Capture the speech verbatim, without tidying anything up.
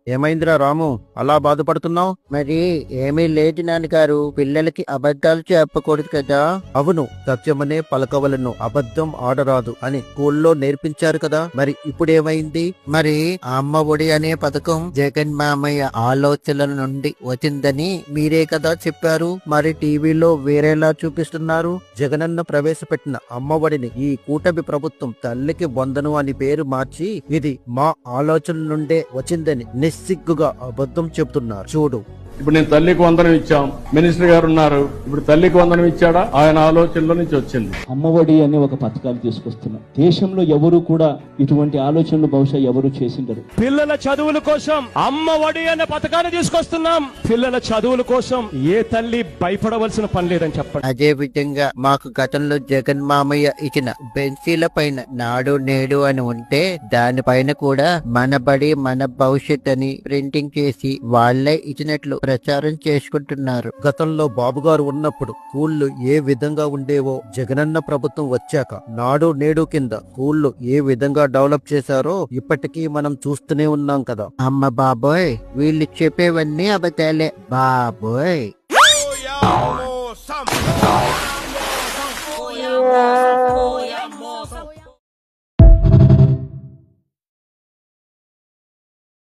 ఏమైందిరా రాము, అలా బాధపడుతున్నావు? మరి ఏమీ లేదు నాన్నగారు, పిల్లలకి అబద్ధాలు చెప్పకూడదు కదా. అవును, సత్యమనే పలకవలను, అబద్ధం ఆడరాదు అని స్కూల్లో నేర్పించారు కదా. మరి ఇప్పుడేమైంది? మరి అమ్మ ఒడి అనే పథకం జగన్ మామయ్య ఆలోచనల నుండి వచ్చిందని మీరే కదా చెప్పారు. మరి టీవీలో వేరేలా చూపిస్తున్నారు. జగనన్న ప్రవేశపెట్టిన అమ్మఒడిని ఈ కూటమి ప్రభుత్వం తల్లికి వందను అని పేరు మార్చి ఇది మా ఆలోచన నుండే వచ్చిందని నిస్సిగ్గుగా అబద్ధం చెబుతున్నారు. చూడు, ఇప్పుడు నేను తల్లికి వందనం ఇచ్చాం, మినిస్టర్ గారు ఉన్నారు, ఇప్పుడు తల్లికి వందనం ఇచ్చాడా? ఆయన ఆలోచనలో నుంచి వచ్చింది. అమ్మఒడి అనే ఒక పథకాలు తీసుకొస్తున్నాం. దేశంలో ఎవరు కూడా ఇటువంటి ఆలోచనలు బహుశా ఎవరు చేసిండరు. పిల్లల చదువుల కోసం అమ్మఒడి అనే పథకాన్ని తీసుకొస్తున్నాం. పిల్లల చదువుల కోసం ఏ తల్లి భయపడవలసిన పని లేదని చెప్పండి. అదే విధంగా మాకు గతంలో జగన్ మామయ్య ఇచ్చిన బెంచీల పైన నాడు నేడు అని ఉంటే దానిపైన కూడా మన బడి మన భవిష్యత్ అని ప్రింటింగ్ చేసి వాళ్లే ఇచ్చినట్లు ప్రచారం చేసుకుంటున్నారు. గతంలో బాబుగారు ఉన్నప్పుడు స్కూళ్లు ఏ విధంగా ఉండేవో జగనన్న ప్రభుత్వం వచ్చాక నాడు నేడు కింద స్కూళ్లు ఏ విధంగా డెవలప్ చేశారో ఇప్పటికీ మనం చూస్తూనే ఉన్నాం కదా. అమ్మ బాబోయ్, వీళ్ళు చెప్పేవన్నీ అబద్ధాలే బాబోయ్.